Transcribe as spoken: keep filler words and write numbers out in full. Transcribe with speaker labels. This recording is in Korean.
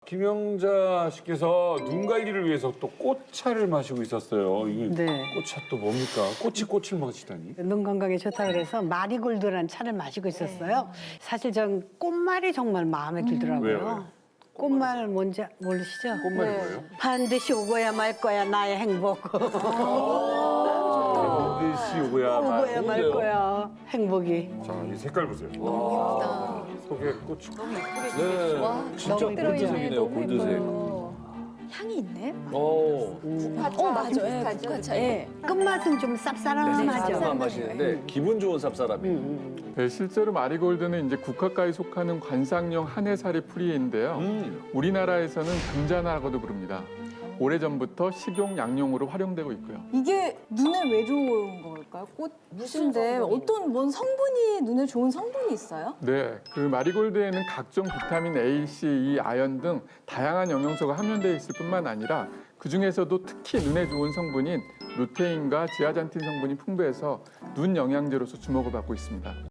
Speaker 1: 김영자 씨께서 눈 관리를 위해서 또 꽃차를 마시고 있었어요. 이게
Speaker 2: 네.
Speaker 1: 꽃차 또 뭡니까? 꽃이 꽃을 마시다니.
Speaker 2: 눈 건강에 좋다 그래서 마리골드라는 차를 마시고 있었어요. 사실 전 꽃말이 정말 마음에 들더라고요.
Speaker 1: 왜요, 왜요?
Speaker 2: 꽃말 뭔지 모르시죠?
Speaker 1: 꽃말이 뭐예요?
Speaker 2: 반드시 오고야 말 거야 나의 행복.
Speaker 1: 반드시 오고야 말.
Speaker 2: 오고야 말 거야 행복이.
Speaker 1: 자, 이 색깔 보세요. 속에 꽃이.
Speaker 3: 네,
Speaker 4: 와,
Speaker 3: 진짜
Speaker 4: 너무 들어있네.
Speaker 3: 골드색이네요,
Speaker 4: 너무
Speaker 3: 골드색.
Speaker 4: 예뻐요. 향이 있네?
Speaker 3: 어,
Speaker 4: 어, 맞아. 예, 국화차. 예.
Speaker 2: 끝맛은 좀 쌉싸름하죠.
Speaker 3: 쌉싸름한 맛이는데 기분 좋은 쌉싸름이.
Speaker 5: 네, 실제로 마리골드는 이제 국화과에 속하는 관상용 한해살이 풀이인데요.
Speaker 3: 음.
Speaker 5: 우리나라에서는 금자나라고도 부릅니다. 오래전부터 식용 양용으로 활용되고 있고요.
Speaker 6: 이게 눈에 왜 좋은 걸까요? 꽃 무슨데 어떤 뭔 성분이 눈에 좋은 성분이 있어요?
Speaker 5: 네, 그 마리골드에는 각종 비타민 A, C, E, 아연 등 다양한 영양소가 함유되어 있을 뿐만 아니라 그 중에서도 특히 눈에 좋은 성분인 루테인과 지아잔틴 성분이 풍부해서 눈 영양제로서 주목을 받고 있습니다.